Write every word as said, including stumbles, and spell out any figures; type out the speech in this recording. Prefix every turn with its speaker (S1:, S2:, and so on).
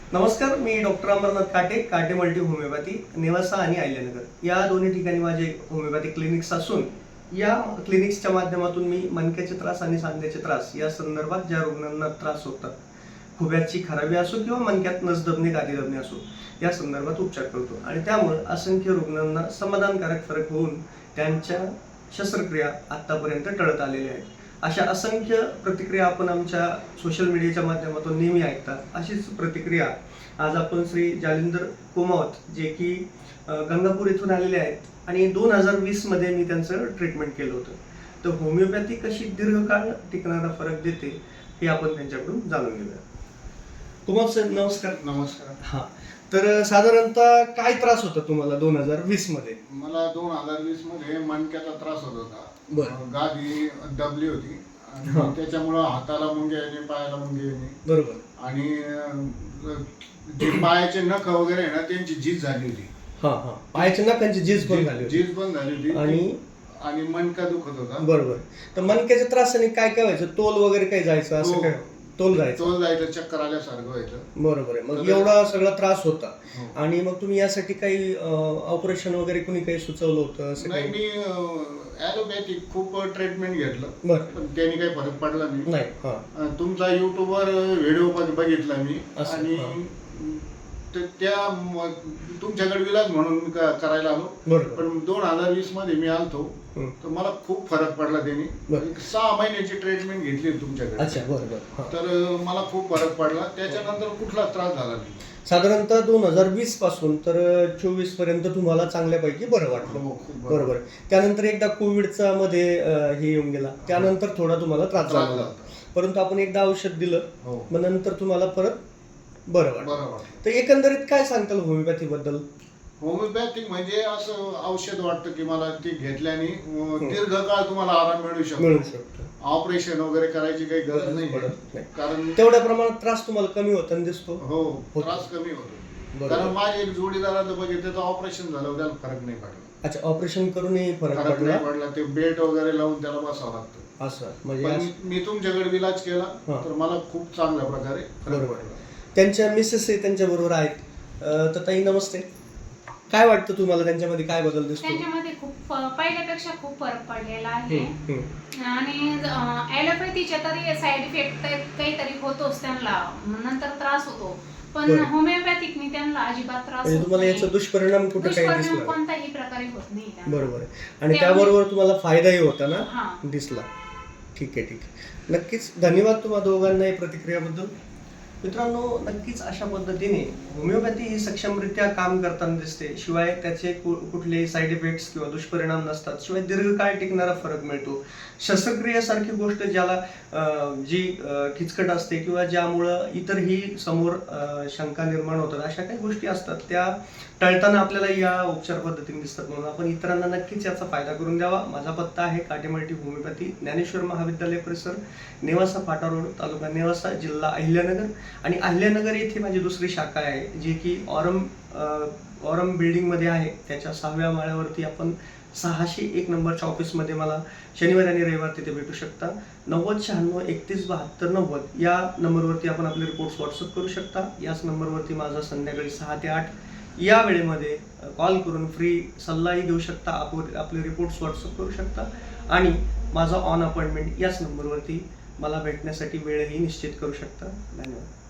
S1: नमस्कार, मी डॉक्टर अमरनाथ काटे, काटे मल्टी होमिओपॅथी, नेवासा आणि अहिल्यानगर या दोन्ही ठिकाणी माझे होमिओपॅथी क्लिनिक्स असून या क्लिनिक्सच्या माध्यमातून मी मणक्याचे त्रास आणि सांध्याचे त्रास या संदर्भात ज्या रुग्णांना त्रास होतात, खुब्याची खराबी असो किंवा मणक्यात नस दबणे, गादी दबणे असो, या संदर्भात उपचार करतो आणि त्यामुळे असंख्य रुग्णांना समाधानकारक फरक होऊन त्यांच्या शस्त्रक्रिया आतापर्यंत टळत आलेल्या आहेत. अशा असंख्य प्रतिक्रिया आपण आमच्या सोशल मीडियाच्या माध्यमातून नेहमी ऐकतात. अशीच प्रतिक्रिया आज आपण श्री जालिंदर कुमावत जे की गंगापूर येथून आलेले आहेत आणि दोन हजार वीस मध्ये मी त्यांचं ट्रीटमेंट केलं होतं. तर होमिओपॅथी कशी दीर्घकाळ टिकणारा फरक देते हे आपण त्यांच्याकडून जाणून घेऊया. कुमावत सर, नमस्कार.
S2: नमस्कार.
S1: हा, तर साधारणतः काय त्रास होता तुम्हाला दोन हजार वीस मध्ये?
S2: मला दोन हजार वीस मध्ये मणक्याचा त्रास होत होता.
S1: बरं.
S2: गादी दबली होती
S1: हा.
S2: आणि त्याच्यामुळं हाताला मुंगे येणे, पायाला मुंगे येणे
S1: बरोबर.
S2: आणि अं, जे पायाचे नख वगैरे आहे ना त्यांची झीज झाली होती.
S1: हा हा पायाच्या नखांची झीज पण झाली होती
S2: झीज पण झाली होती
S1: आणि
S2: आणि मणका दुखत होता.
S1: बरोबर. तर मणक्याच्या त्रासाने काय काय व्हायचं? तोल वगैरे काही जायचं असं
S2: हो.
S1: काय? तोल जायचं.
S2: तोल जायचं, चक्कर आल्यासारखं व्हायचं.
S1: बरोबर आहे. मग
S2: तर-
S1: एवढा सगळा त्रास होता
S2: हो.
S1: आणि मग तुम्ही यासाठी काही ऑपरेशन वगैरे कुणी काही सुचवलं होतं असं
S2: नाही,
S1: काही?
S2: मी ॲलोपॅथिक खूप ट्रीटमेंट घेतलं
S1: बरं.
S2: पण त्याने काही फरक पडला नाही.
S1: नाही. हा
S2: अं, तुमचा युट्यूबवर व्हिडिओ पण बघितला मी
S1: असं,
S2: आणि
S1: हा.
S2: त- त्या म- तुमच्याकडे विलाज म्हणून मी क- करायला आलो.
S1: बरोबर.
S2: पण दोन हजार वीस मध्ये मी आलतो
S1: हं.
S2: तर मला खूप फरक पडला त्यांनी.
S1: बरं.
S2: एक सहा महिन्याची ट्रीटमेंट घेतली तुमच्याकडे.
S1: अच्छा, बरोबर. हा.
S2: तर अं, मला खूप फरक पडला. त्याच्यानंतर कुठलाच त्रास झाला नाही.
S1: साधारणतः दोन हजार वीस पासून तर चोवीस पर्यंत तुम्हाला चांगल्यापैकी बरं वाटलं.
S2: हो, खूप बरं.
S1: बरोबर. त्यानंतर एकदा कोविडचा मध्ये अं, हे येऊन गेला, त्यानंतर थोडा तुम्हाला त्रास
S2: त्रास
S1: झाला,
S2: झाला.
S1: परंतु आपण एकदा औषध दिलं,
S2: हो.
S1: मग नंतर तुम्हाला परत बरं वाटलं.
S2: बरं वाटलं.
S1: तर एकंदरीत काय सांगताल होमिओपॅथी बद्दल?
S2: होमिओपॅथिक म्हणजे असं औषध वाटतं की मला ते घेतल्याने अं, दीर्घकाळ तुम्हाला आराम मिळू शकतो.
S1: मिळू शकतो.
S2: ऑपरेशन वगैरे करायची काही गरज नाही.
S1: पडत नाही.
S2: कारण
S1: तेवढ्या प्रमाणात त्रास तुम्हाला कमी होताना दिसतो.
S2: हो,
S1: होतो.
S2: त्रास कमी होतो.
S1: बरोबर.
S2: कारण माझे एक जोडीदाराचं बघितलं तर ऑपरेशन झालं, त्याला फरक नाही पडला.
S1: अच्छा, ऑपरेशन करूनही फरक
S2: फरक
S1: पडला
S2: नाही पडला. ते बेल्ट वगैरे लावून त्याला बसावं लागतं.
S1: असं म्हणजे
S2: पण
S1: असं-
S2: मी तुमच्याकडे इलाज केला
S1: हा.
S2: तर मला खूप चांगल्या प्रकारे फरक
S1: बरोबर.
S2: पडला.
S1: त्यांच्या मिसेस त्यांच्या बरोबर आहेत. अं, तर ताई नमस्ते. काय वाटतं तुम्हाला त्यांच्यामध्ये काय बदल दिसतो?
S3: त्यांच्यामध्ये खूप फ- पहिल्यापेक्षा खूप फरक पडलेला आहे.
S1: हम्म, हम्म.
S3: आणि ॲलोपॅथीच्या तरी साईड इफेक्ट काहीतरी होतोच त्यांना, नंतर त्रास होतो. पण
S1: बरं.
S3: होमिओपॅथिकनी त्यांना अजिबात त्रास
S1: म्हणजे
S3: होत
S1: तुम्हाला
S3: नाही.
S1: याचा दुष्परिणाम कुठे काही
S3: दुष्परिणाम
S1: दिसला?
S3: कोणत्याही प्रकारे होत नाही त्यांना.
S1: बरोबर आहे. आणि
S3: त्यामुळे-
S1: त्याबरोबर तुम्हाला फायदाही होता ना,
S3: हा.
S1: दिसला. ठीक आहे, ठीक आहे. नक्कीच धन्यवाद तुम्हा दोघांना या प्रतिक्रियाबद्दल. मित्रांनो, नक्कीच अशा पद्धतीने होमिओपॅथी ही सक्षमरित्या काम करताना दिसते. शिवाय त्याचे कु- कुठलेही साईड इफेक्ट्स किंवा दुष्परिणाम नसतात. शिवाय दीर्घकाळ टिकणारा फरक मिळतो. शस्त्रक्रियेसारखी गोष्ट ज्याला अं, जी अं, किचकट असते किंवा ज्यामुळं इतरही समोर अं, शंका निर्माण होतात, अशा काही गोष्टी असतात त्या टळताना आपल्याला या उपचार पद्धतीने दिसतात. म्हणून आपण इतरांना नक्कीच याचा फायदा करून द्यावा. माझा पत्ता आहे काटे मल्टी होमिओपॅथी, ज्ञानेश्वर महाविद्यालय परिसर, नेवासा फाटा रोड, तालुका नेवासा, जिल्हा अहिल्यानगर. आणि अहिल्यानगर येथे माझी दुसरी शाखा आहे जी की ऑरम अं, ऑरम बिल्डिंगमध्ये आहे. त्याच्या सहाव्या माळ्यावरती आपण सहाशे एक नंबरच्या ऑफिसमध्ये मला शनिवार आणि रविवार तिथे भेटू शकता. नव्वद शहाण्णव एकतीस बहात्तर नव्वद या नंबरवरती आपण आपले रिपोर्ट्स व्हॉट्सअप करू शकता. याच नंबरवरती माझा संध्याकाळी सहा ते आठ या वेळेमध्ये कॉल करून फ्री सल्लाही देऊ शकता. आप आपले रिपोर्ट्स व्हॉट्सअप करू शकता आणि माझा ऑन अपॉइंटमेंट याच नंबरवरती मला भेटण्यासाठी वेळही निश्चित करू शकता. धन्यवाद.